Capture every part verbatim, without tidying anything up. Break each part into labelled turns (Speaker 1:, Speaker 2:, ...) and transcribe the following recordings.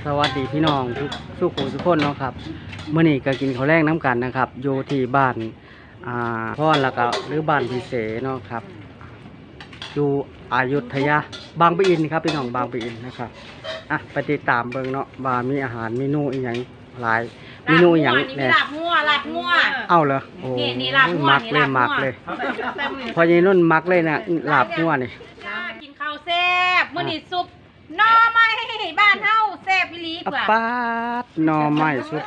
Speaker 1: สวัสดีพี่น้องทุกทุกคนทุกคนเนาะครับเมื่อนี้ก็กินข้าวแรงน้ำกันนะครับอยู่ที่บ้านอ่าพ่อแล้วก็หรือบ้านพิเศษเนาะครับอยู่อยุธยาบางปะอินครับพี่น้องบางปะอินนะครับอ่ะไปติดตามเบิ่งเนาะว่ามีอาหารเมนูอีหยังหลายเมนูอีหยัง
Speaker 2: เนี่
Speaker 1: เนี่ย
Speaker 2: ยลาบงัวลาบงัว
Speaker 1: เอ้าเหรอโอ้
Speaker 2: นี่นี่ลาบงัว
Speaker 1: มักเลย
Speaker 2: นี่ลาบงัว
Speaker 1: มักเลยพอยีนุ่นมักเลยนะลาบงัวนี่
Speaker 2: กินข้าวแซ่บมื้อนี้ซุปหน่อไม้บ้านเฮาแซ่บอีหลีก
Speaker 1: อะ
Speaker 2: ว่า
Speaker 1: ปาดหน่อไม้สุด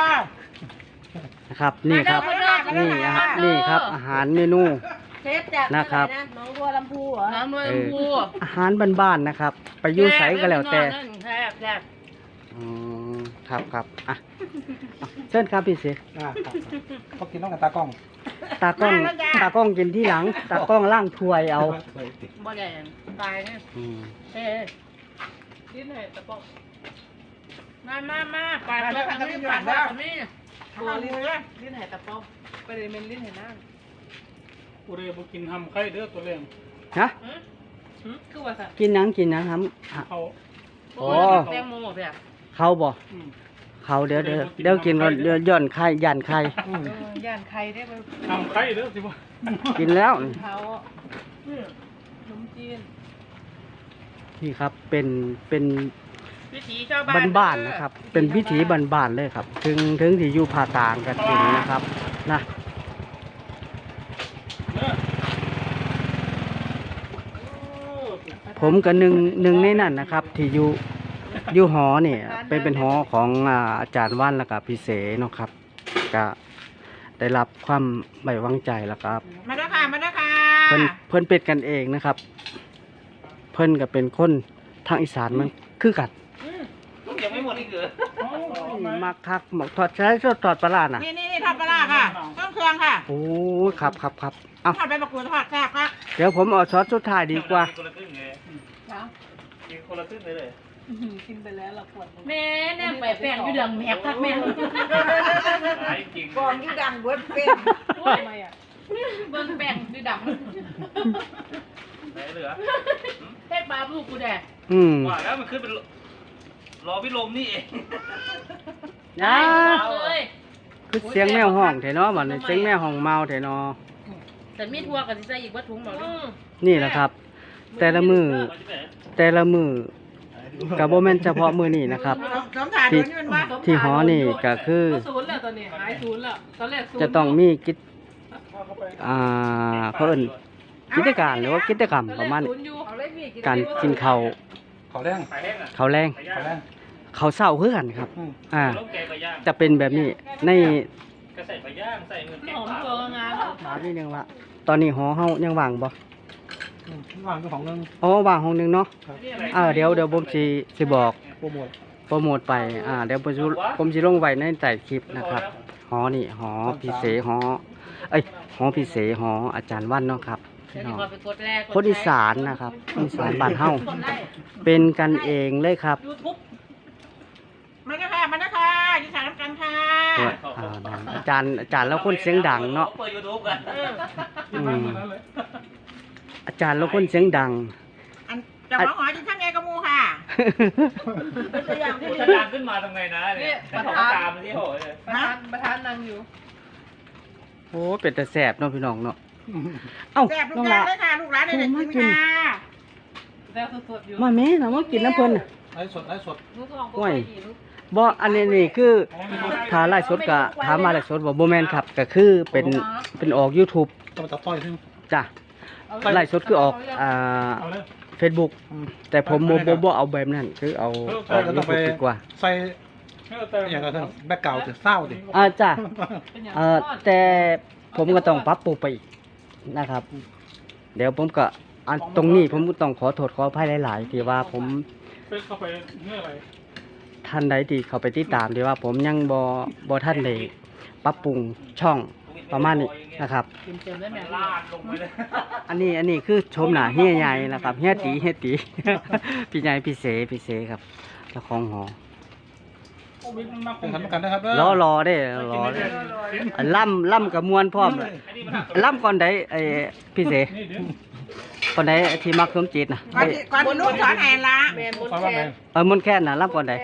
Speaker 1: นะครับนี่ครับนี่อาหารนี่ครับอาหารเมนู
Speaker 3: เชฟจาก
Speaker 1: นะครับ
Speaker 3: อไน้องบัวลำพูเหรอ
Speaker 2: น้ำมันพู
Speaker 1: อาหารบ้านๆนะครับ ไปอยุ่ใสก็แล้วแต่
Speaker 2: แซ่บแซ่บ
Speaker 1: อืมครับครับอ่ะเอาเชิญครับพี่เสก
Speaker 4: อ่าครับก็กินต้องกับตากล้อง
Speaker 1: ตากล้องตากล้องกินที่หลัง ตากล้องล่างถ้วยเอา
Speaker 2: บ่ได้ตายเนี่ย
Speaker 1: อืม
Speaker 2: เอ๊ะกินให้ตะปอกมามามาไปไปทางนี้ไปทางนี้
Speaker 3: ตัวลิ้นนะลิ้นไหตะปอกไปเลยเป็นลิ้นไหน้า
Speaker 4: กูเรียกกินทำไข่เด้อตัวเลี้ยง
Speaker 1: ฮะ
Speaker 3: คือว่าสัตว์
Speaker 1: กินหนังกินหนังครับ
Speaker 4: เขา
Speaker 1: โอ้
Speaker 2: แตงโมแบบ
Speaker 1: เขาบ่เขาเดี๋ยวเดี๋ยวเดี๋ยวกินก่อนเดี๋ยวย่อนไข่ยันไข่
Speaker 3: ย่านไข่ได้ไป
Speaker 4: ทำไข่เด้อสิบ่
Speaker 1: กินแล้ว
Speaker 3: เขาขนมจีน
Speaker 1: นี่ครับเป็นเป็น
Speaker 2: วิถีชาวบ้าน
Speaker 1: บ้านๆนะครับ เป็นพิถีบ้านๆเลยครับ ถึงถึงที่อยู่ภาคกลางกันกินนะครับนะผมกับหนึ่งหนึ่งในนั้นนะครับ ที่อยู่อยู่หอเนี่ยเป็นเป็นหอของอ่าอาจารย์ว่านแล้วก็พี่เสเนาะครับก็ได้รับความไว้วางใจแล้วครับ
Speaker 2: มาด้วยค่ะมาด้วยค่ะ
Speaker 1: เพิ่นเพิ่นเป็นกันเองนะครับ เพิ่นก็เป็นคนทางอีสานมันคือกัน
Speaker 2: ยังไม่หมดอีกเหรอ
Speaker 1: มักคักหมกทอดใช้ทอดทอดปลาร้าน่ะ
Speaker 2: นี่นี่นี่ทอดปลาร้าค่ะต้นเครื่องค่ะ
Speaker 1: โอ้ยครับครับครับเอา
Speaker 2: ทอดใบมะกรูดทอดแซ่บค่ะ
Speaker 1: เดี๋ยวผมเอาซอสสุดท้ายดีกว่า
Speaker 4: คนละครึ่งไง
Speaker 3: นะ
Speaker 4: กินคนละครึ่งเลยเลย
Speaker 3: กินไปแล้วเราปวด
Speaker 2: แม่แน่ไปแป้งอยู่เดืองแหกทักแม่
Speaker 4: หายจริง
Speaker 3: กองที่ดังเบิดเป็นทำไมอ่ะ
Speaker 2: เบิ่งแป้งอยู่ดำ
Speaker 4: ไหนเหลือ
Speaker 2: เฮ็ดบาลูกกูแดก
Speaker 1: อืม
Speaker 4: ว่าแล้วมันขึ้นเป็นรอพิลมนี่เอง
Speaker 1: อ้า
Speaker 2: เลย
Speaker 1: คือเสียงแมวห้องเถอะเนาะบัดนี้เสียงแมวห้องเมาเถอะเนาะ
Speaker 2: แต่มีทั่วก็สิใส่อีกบ่ถุงบ่
Speaker 1: นี่แหละครับ แต่ละมือแต่ละมือกับโบแมนเฉพาะมือนี่นะครับ
Speaker 2: สมถ่ายดูนี่มันว่า
Speaker 1: ที่หอนี่ก็คือ
Speaker 3: ศูนย์แล้วตอนนี้หายศูนย์แล้วตอนแรกศูนย์
Speaker 1: จะต้องมีกิจอ่าเพิ่นกิจการหรือว่ากิจกรรมประมาณนี้การกินข้าว
Speaker 4: เขาแรง
Speaker 1: ข้าวแรง
Speaker 4: เขาแรง
Speaker 1: ข้าวเช้าคือกันครับ อ่า
Speaker 4: ต้มแกงปลาย่าง
Speaker 1: จะเป็นแบบนี้ใน
Speaker 4: ก็ใส่ปลาย่างใส่เงินแกง
Speaker 3: หอม
Speaker 4: ปลา
Speaker 3: เกลืองาน
Speaker 1: ถามนิดนึงว่าตอนนี้หอเฮายังว่างบ่
Speaker 4: วางเป็นของนึง
Speaker 1: อ๋อว่างห้องหนึงเนาะเออเดี๋ยวเดี๋ยวผมสิสิบอก
Speaker 4: โปรโมท
Speaker 1: โปรโมทไป อ่า เดี๋ยวผมสิผมสิลงไว้ในใต้คลิปนะครับ หอนี่ หอพิเศษหอ เอ้ย หอพิเศษหออาจารย์วันเนาะครับพี่น้องคนอีสานนะครับคนอีสานบ้านเฮาเป็นกันเองเลยครับ
Speaker 2: มาด้วยค่ะมาด้วยค่ะอยู่สายน้ำกันค่ะ
Speaker 1: อ่านั่นอาจารย์อาจารย์แล้วคนเสียงดังเนาะ
Speaker 4: เปิดยูทูบกัน
Speaker 1: อืมอาจารย์แล้วคนเสียงดัง
Speaker 2: อันจะหอหอจินข้างไงกระมูค่ะ
Speaker 3: ตัวอย่างที่
Speaker 4: ถ้าดังขึ้นมาทำไงนะเนี่ยถ้าของตามที่โหเลย
Speaker 3: ประธานประธานนั่งอยู่
Speaker 1: โอ้เป็นแต่แสบเนาะพี่น้องเนาะเอ้า
Speaker 2: แซ่บทุ
Speaker 1: น้
Speaker 2: ก
Speaker 1: อง
Speaker 2: อย่า
Speaker 1: ละ
Speaker 2: งเลยค่ะลูกหลานเด็กๆกินค่ะ
Speaker 3: แล้วสดๆอยู่
Speaker 1: มาแม่นะมากินน้ำเพิ่นน่ะ
Speaker 4: ไลฟ์สดไลฟ์สด
Speaker 3: ลูกทอง
Speaker 1: โอ้ยบ่อันนี้นี่คือถ้าไลฟ์สดก็ถามมาไลฟ์สดบ่บ่แม่นครับก็คือเป็นเป็นออก YouTube
Speaker 4: ต้องตัดต้อยขึ้น
Speaker 1: จ้ะไลฟ์สดคือออกอ่า
Speaker 4: เอาเลย
Speaker 1: Facebook แต่ผมบ่บ่บ่เอาแบบนั้นคือเอาออก
Speaker 4: ก็ต้องไป
Speaker 1: YouTube ดีกว่า
Speaker 4: ใส่อย่างไรท่านแบ็กเก่าจะเศร้าดิ
Speaker 1: อ่าจ้ะเอ่อแต่ผมก็ต้องปรับปรุงไปอีกนะครับ เดี๋ยวผมก็อันตรงนี้ผมก็ต้องขอโทษขออภัยหลายๆที่ว่าผม
Speaker 4: เป็นเข้าไปเมื่อไร
Speaker 1: ท่านใดที่เขาไปติดตามที่ว่าผมยังบ่บ่ท่านได้ปรับปรุงช่องประมาณนี้นะครับ
Speaker 3: เต็มๆได้ไหม
Speaker 4: ลาดลงไปเลย
Speaker 1: อันนี้อันนี้คือชมหน้าเฮียใหญ่นะครับเฮียตีเฮียตี พี่ใหญ่พี่เสพี่เสครับเจ้าของหอ
Speaker 4: เป็นทำกันนะครับ
Speaker 1: รอรอได้รอได้ล่ำล่ำกับมวลพร้อมเลยล่ำก่อนใดไอ้พี่เสก่อนใดที่มักสมจิตนะ
Speaker 3: ก่อนที่ก่อนที่ลูกสอนแอนละ
Speaker 2: แมนบน
Speaker 4: ฟัง
Speaker 2: แข
Speaker 4: ว่าไง
Speaker 2: น
Speaker 1: เออมนต์แค่นน่ะรับก่อนใด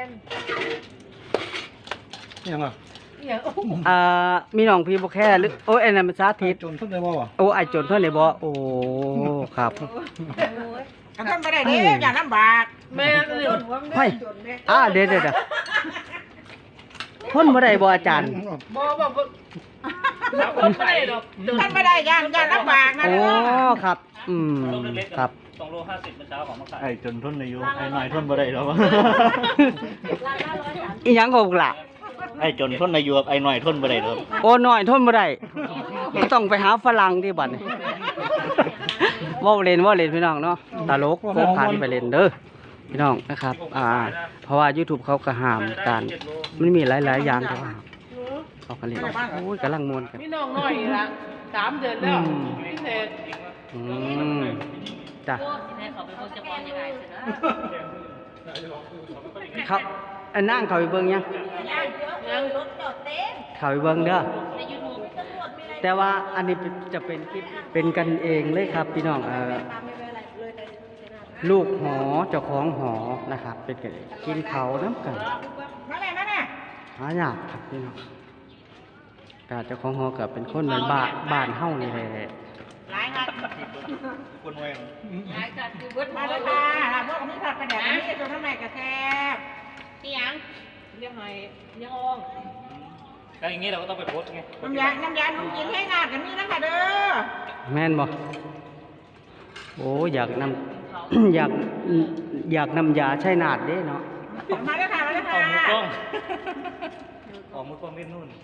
Speaker 4: นี่ยังอ่ะ
Speaker 2: อย่างโอ้โห
Speaker 1: อ่ามีน้องพี่บ่แค่หรือโอ้ยอันนั้นมันสาธิต
Speaker 4: จนทุกได้บ่วะ
Speaker 1: โอ้ไอจนเท่านี้บ่โอ้ครับ
Speaker 3: กระทำไม่ได้เด้อย่าลำบาก
Speaker 2: แม่นเลย
Speaker 1: เฮ้ยอ่าเดี๋ยวเดี๋ยวเดี๋ยวทนบ่ได้บ่อาจารย์
Speaker 2: บ่บ่บ่รับคนไม่ได้ดอก
Speaker 3: ท่านไม่ได้ย่านย่านลำบากนะ
Speaker 1: โอ้
Speaker 3: เด้อ
Speaker 1: ครับ อืมครับ
Speaker 5: สองโลห้าสิบเมื่อเช้าของมาขาย
Speaker 6: ไอ้จนทนอายุไอ้หน่อยทนบ่ได้แล้ว
Speaker 1: อีหยังก็บ่ล่ะ
Speaker 6: ไอ้จนทนอายุไอ้หน่อยทนบ่ได้แล้ว
Speaker 1: โอ้น้อยทนบ่ได้ก็ต้องไปหาฝรั่งที่บัดนี้เว้าเล่นเว้าเล่นพี่น้องเนาะตลกโคกขันไปเล่นเด้อพี่น้องนะครับ อ่า เพราะว่า YouTube เขาก็ห้ามการมันมีหลายๆอย่างแต่ว่าเขาก็เล่นโอ้ยกำลังม่วนกัน
Speaker 2: มีน้องน้อยอีกละสามเดือนแล้วพิเศษ
Speaker 1: อืมจ้ะเขาอันนั่งเขาไปเบิ่งยัง
Speaker 2: ยัง
Speaker 1: เขาไปเบิ่งเด้อแต่ว่าอันนี้เป็นจะเป็นคลิปเป็นกันเองเลยครับพี่น้องเอ่อลูกหอเจ้าของหอนะครับ เป็นกันเองกินเขาวน้ำกัน
Speaker 3: มาแม่มาแม่
Speaker 1: หายากครับพี่น้องกาเจ้าของหอกับเป็นคนบ้านบ้านบ้านเฮานี่แหละ
Speaker 3: หลายครับ
Speaker 6: คนไว้
Speaker 3: มาเลยค่ะลาพวกมีผัดกระเดียดมีกระตุ้นทำไมกระแทบ
Speaker 2: นี่ยังเรียกไงยังออง
Speaker 5: แล้วอย่างนี้เราก็ต้องไปโพสต์ไง
Speaker 3: น้ำยาน้ำยาหนุ่มกินให้งานกันมีนะคะเด้อ
Speaker 1: แม่นบ่โอ้อยากนำ อยากอยากนำยาใช้นาดเด้เนาะ
Speaker 3: มาเลยค่ะมาเลย
Speaker 5: อ
Speaker 3: ค่ะ
Speaker 5: อกมือกล้องออกมือกล้องเล่นนู่น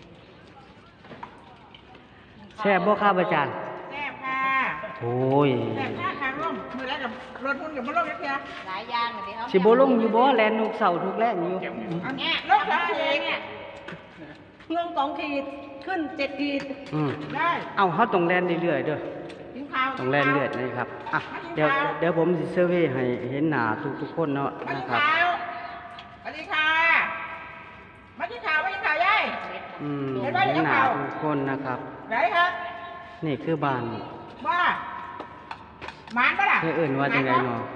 Speaker 1: แซ่บบ่ครับอาจารย์
Speaker 3: แซ่บค่ะ
Speaker 1: โอ้ย
Speaker 3: แซ่บค่ะค่ะร่มมือแล้วกับรถพุ่นกับรถเล็กเดียว
Speaker 2: หลายอย่างเลยเขา
Speaker 1: สิบ่ลงอยู่บ่แลนทุกเสาร์ทุกแลงอยู่
Speaker 3: เอาเนี่ยรถสองขีดเนี่ย
Speaker 2: ลงสองขีดขึ้นเจ็ดขีด
Speaker 1: อืม
Speaker 3: ได้
Speaker 1: เอาเฮาต้องแล่นเรื่อยๆเด้อ
Speaker 3: กินข้าว
Speaker 1: ต้องแล่นเรื่อยนะครับอ่ะเดี๋ยวเดี๋ยวผมสิเซอร์เวย์ให้เห็นหน้าทุกๆคนเนาะ
Speaker 3: มา
Speaker 1: นะ
Speaker 3: กิน
Speaker 1: ครับ
Speaker 3: ข้าวสวัสดีค่ะมากินข้าวมากินข้าวยาย
Speaker 1: อืมเห็นหน้าทุกคนนะครับ
Speaker 3: ไหนครับ
Speaker 1: นี่คือบ้าน
Speaker 3: ว่าหมานปะล่ะ
Speaker 1: เพื่อเอื่นว่าจังไดเนาะ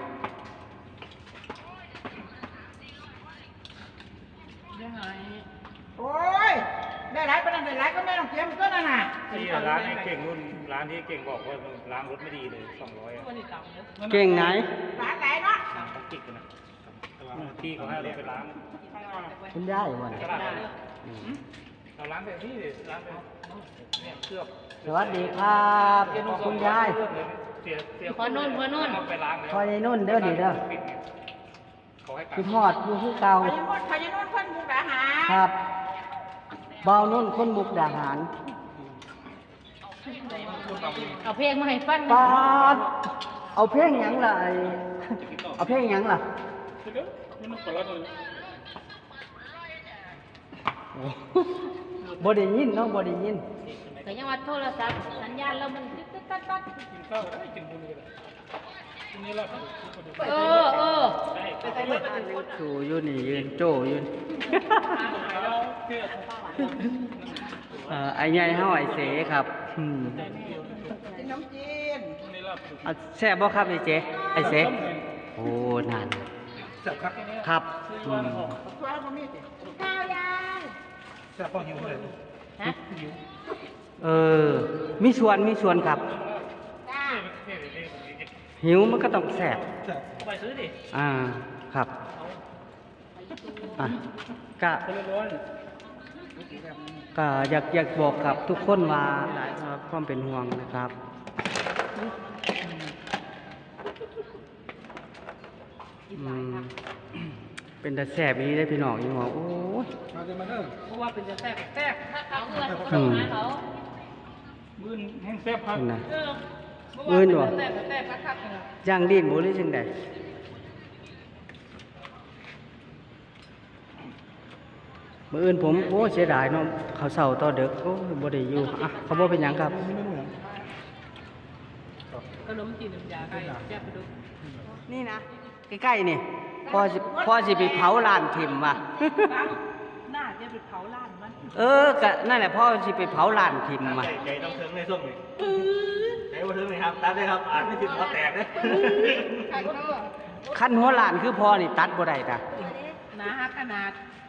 Speaker 2: ยังไง
Speaker 3: โอ้ยได้หลายปะนั่นได้หลายก็ไม่ต้องเตรียมก็นั่นน่ะ
Speaker 5: ที่ร้านไอ้เก่งนู่นร้านที่เก่งบอกว่าล้างรถไม่ดีเลยสองร้อยอ่ะ
Speaker 2: วันนี้ต่ำเนอะ
Speaker 1: เก่งไหน
Speaker 3: หลานไหนเนาะ
Speaker 5: ของกิกนะแต่ว่าพี่เขาให้เราไปล้าง
Speaker 1: คุณยายบ่
Speaker 5: ตลาดเราล้างแบบนี้เลยล้างแบบเนี่ยเคลือบ
Speaker 1: สวัสดีครับคุณยาย
Speaker 5: เสียเสีย
Speaker 2: พอนุ่นพอนุ่น
Speaker 5: เอาไปล้างแล้ว
Speaker 1: คอยในนุ่นเด้อนี่เด้อ
Speaker 5: ปิดไงเขาให้กลับ
Speaker 1: คือทอดอยู่คือเก่า
Speaker 3: พญานุ่นพญานุ่นเพิ่นมุกดาหาร
Speaker 1: ครับเบานุ่นคนมุกดาหาร
Speaker 2: เอาเพลงมาให้ฟัง
Speaker 1: ปาดเอาเพลงหยังล่ะไอ้เอาเพลงหยังล่ะบ่ได้ยินเนาะบ่ได้ยิน
Speaker 2: แต่ยังว่าโทรศัพท์สัญญาณเรามันตึ๊ดตึ๊ดตัดตัดเออเออ
Speaker 1: สู่อยู่นี่ยืนโจอยู่นี่ เอ่อไอ้ใหญ่เฮาไอ้เสครับอืม
Speaker 3: กินน้ำจีน
Speaker 1: อ่ะแซ่บบ่ครับไอ้เจไอ้เสโอ้นั่น
Speaker 4: แซ่บครับ
Speaker 1: ครับอืม
Speaker 3: ข้าวบะหมี่สิ
Speaker 2: ข้าวยัง
Speaker 4: แซ่บก็หิวเลย
Speaker 2: ฮะ
Speaker 1: เออ มีส่วนมีส่วนครับ
Speaker 2: จ้า
Speaker 1: หิวมันก็ต้องแซ่บ
Speaker 4: แซ่บ
Speaker 5: ไปซื้อดิ
Speaker 1: อ่า ครับ อ่ะก็ก็อยากอยากบอกกับทุกคนว่าหลายครับความเป็นห่วงนะครับ อืม เป็นแต่แสบนี้ได้พี่น้องอีหมอโอ้ย
Speaker 4: มาเดินมาเด้อ
Speaker 2: เพราะว่าเป็นจะแทรกแทรกถ้าเขาเงิน
Speaker 1: อืม
Speaker 2: เขา
Speaker 5: มื่นแห้งแซ่บครับ
Speaker 1: เป็นไง
Speaker 2: เออ
Speaker 1: เงินวะ
Speaker 2: แทรกแทรกคักๆเลย
Speaker 1: ย่างดินบ่หรือจังใดมื้ออื่นผมโอ้เสียดายเนาะเขาเศร้าต่อเด็กโอ้ยบ่ได้อยู่อ่ะเขาบ่เป็นหยังครับ
Speaker 4: มีเมนูหยัง
Speaker 2: ขนมจีนน้ำยาไก่แซ่บไปดู
Speaker 1: นี่นะใกล้ๆนี่พ่อสิพ่อสิไปเผาร้านถิ่มว่ะ
Speaker 2: น่าจะไปเผาร้านมัน
Speaker 1: เออก็นั่นแหละพ่อสิไปเผาร้านถิ่มว่ะ
Speaker 6: ใจใจต้องเทิงในช่วงนี้ใจมาถึงเลยครับตัดเลยครับอ่านไม่ถึงเขาแตกเลย
Speaker 1: ขั้นหัวหลานคือพอนี่ตัดบ่ได้จ้ะ
Speaker 2: นะฮะขนาด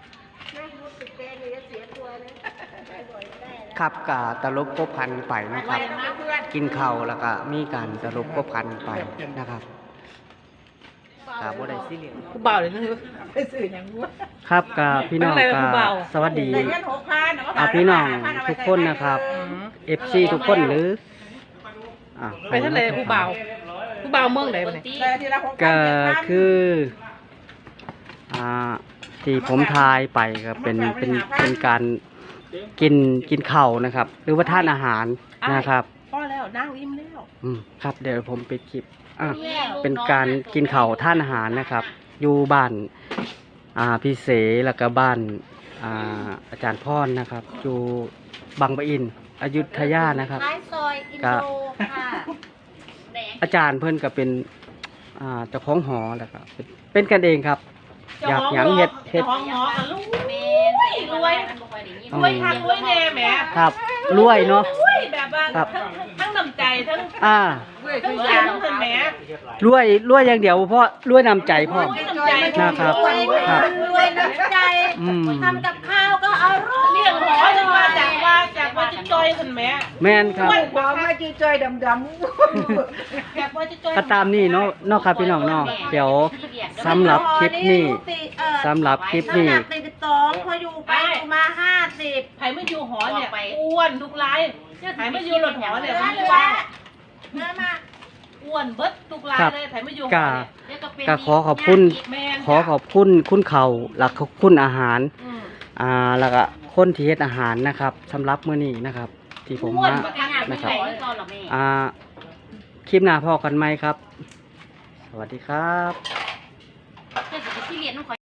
Speaker 1: ครับกะตลบกบพันไปนะครับ
Speaker 2: นะเพื่อน
Speaker 1: กินข้าวแล้วก็มีการตลบกบพันไปนะครับกะบ่ได้ซีเรียส
Speaker 2: กูเบาเลยนะไปสื่ออย่างวัว
Speaker 1: ครับกะพี่น้อง
Speaker 2: เป็นอะไร
Speaker 1: กะ
Speaker 2: กับผู้เบา
Speaker 1: สวัสดี
Speaker 3: ได้เงินหกพัน
Speaker 1: อ่ะพี่น้องทุกคนนะครับ เอฟ ซี ทุกคนหรืออ่ะ
Speaker 2: ไปทะเลกูเบากูเบาเมืองไหนวะเนี่ย
Speaker 3: ได้ทีละหกพัน
Speaker 1: ก็คืออ่าที่ผมทายไปก็เป็นเป็นเป็นการกินกินข้าวนะครับ หรือว่าทานอาหารนะครับ
Speaker 2: พอแล้วนั่งอิ่มแล้ว
Speaker 1: อืมครับเดี๋ยวผมปิดคลิปอ่ะเป็นการกินข้าวทานอาหารนะครับ อยู่บ้านอ่าพี่เสแล้วก็บ้านอ่าอาจารย์พรนะครับ อยู่บางปะอินอยุธยานะครับ
Speaker 3: ท้ายซอยอิน
Speaker 1: ก็
Speaker 3: โดค่ะ
Speaker 1: อาจารย์เพิ่นก็เป็นอ่าเจ้าของหอแล้วก็เป็นเป็นกันเองครับ อยากหยังเฮ็ดเฮ็ด
Speaker 2: จ้าของหอกับลูก
Speaker 3: เม
Speaker 2: รวยรวยทันรวยแน่แหม
Speaker 1: ครับรวยเนาะ
Speaker 2: รวยแบบว่า
Speaker 1: ครับ
Speaker 2: ทั้งทั้งน้ำใจทั้ง
Speaker 1: อ่า
Speaker 2: ทั้งอย่างทั้งแหม
Speaker 1: รวยรวยอย่างเดียวเพราะรวยนำใจพ่อม
Speaker 2: รวยน้ำใจ
Speaker 1: นะครับ
Speaker 3: รวย
Speaker 1: ครับ
Speaker 3: รวยน้ำใจ
Speaker 1: อืม
Speaker 3: ทำกับข้าวก็อร่อย
Speaker 2: เลี้ยงหอจะมาจากว่าจากว่าจะจอยทันแหม
Speaker 1: แม่นครับ
Speaker 3: บอกมาจีจอยดำด
Speaker 2: จากว่าจะจอย
Speaker 1: ก็ตามนี่เนาะเนาะครับพี่น้องเนาะเดี๋ยว
Speaker 3: ำ
Speaker 1: สำหรับคลิปนี้สำหรับคลิปนี้
Speaker 3: น้ำหนักสี่สิบสองพออยู่ไปอยู่มาห้าสิบ
Speaker 2: ไผ่ไม่อยู่หอเนี่ยอ้วนทุกรายไผ่ไม่อยู่รถหอเนี่ยมันอ้วน
Speaker 3: เนื้อมา
Speaker 2: อ้วนเบิดทุกราย
Speaker 1: ครับ
Speaker 2: เลยไผ่ไม่อยู่ห
Speaker 1: ก็
Speaker 2: อเนี่ย
Speaker 1: ก็ขอขอบคุณ
Speaker 2: แม่น
Speaker 1: ขอขอบคุณคุณเขาหลักขอบคุณอาหาร
Speaker 2: อืม
Speaker 1: อ่าแล้วก็คนที่เฮ็ดอาหารนะครับสำหรับมื้อนี้นะครับ ที่ผม
Speaker 2: อ้วน
Speaker 1: มา
Speaker 2: บักขนาดไม่
Speaker 1: นะครับ
Speaker 2: ไหวตอนหรอแม่
Speaker 1: อ่าคลิปหน้าพอกันไหมครับ สวัสดีครับ
Speaker 2: เจ้าสิไปที่เรียนต้องคอย